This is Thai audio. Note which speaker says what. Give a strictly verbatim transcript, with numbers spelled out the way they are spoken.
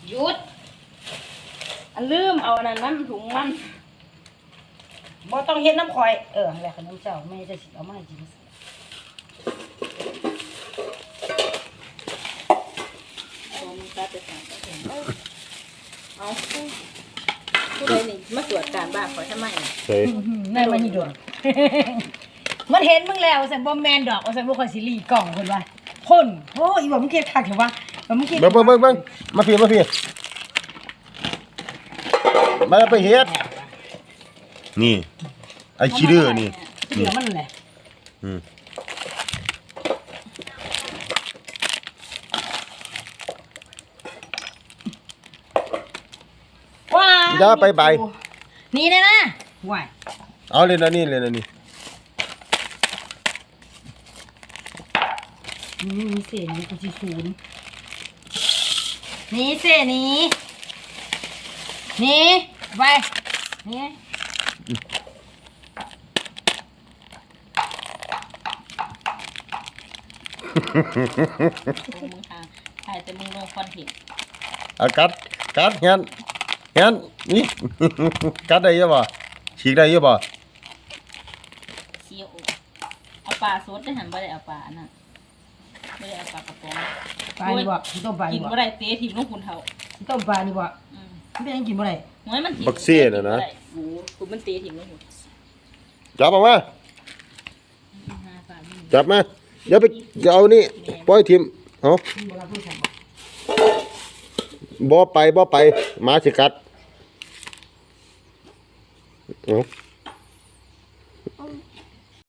Speaker 1: หยุดอันลืมเอาอันนั้นมันถุงมันบ่ต้องเฮ็ดน้ำคอยเออแหละขนมเจ้าแม่จะสิเอามาให้กินเอาผู้ใดนี่มาตรวจการบ้านขอทำไมเฮ้ยนายมันนี่โดนมันเห็นมึงแล้วสันบ่แมนดอกว่าสันบ่ค่อยสิรีกล่องเพิ่นว่าพ่นโอ้อีบ่มึงเกลียดคักเถอะวะบ่มึงเกลียด
Speaker 2: เบิ่งเบิ่งเบิ่งเบิ่งมาพี่มาพี่มาไปเฮ็ดนี่ไอ้ขี้ดื้อนี่
Speaker 1: นี่มันแหละ
Speaker 2: อืม
Speaker 1: ว้า
Speaker 2: อย่าไปใบ
Speaker 1: นี่เลยนะว้าย
Speaker 2: เอาเลยนะนี่เลยนะนี่
Speaker 1: นี่มีเศษนี่กูสิศูนย์นี่เศษนี้นี่ไปนี่มึงทางถ่ายแต่มึงลงคอนเทนต์
Speaker 2: อากัดกัดงั้นงั้นนี่กัดได้ยังบ่ฉีกได้ยังบ่
Speaker 1: เชียวเอาปลาสดได้หันบ่ได้เอาปลาอันนั้นไม่ได้เอาปลากระป๋องปลานี่บ่ต้มปลากินบ่ได้เตะถิ่มลงคุณเฒ่าต้มปลานี่บ่อืมมันเป็นยังกินบ่ได้หวยมันถิ่ม
Speaker 2: บักเซ่น่ะนะ
Speaker 1: โอ้กูมันเตะถิ่มลงหุ่น
Speaker 2: จับออกมาจับมาเดี๋ยวไปจะเอานี่ปล่อยทิมเอาบ่ไปบ่ไปหมาสิกัดเอา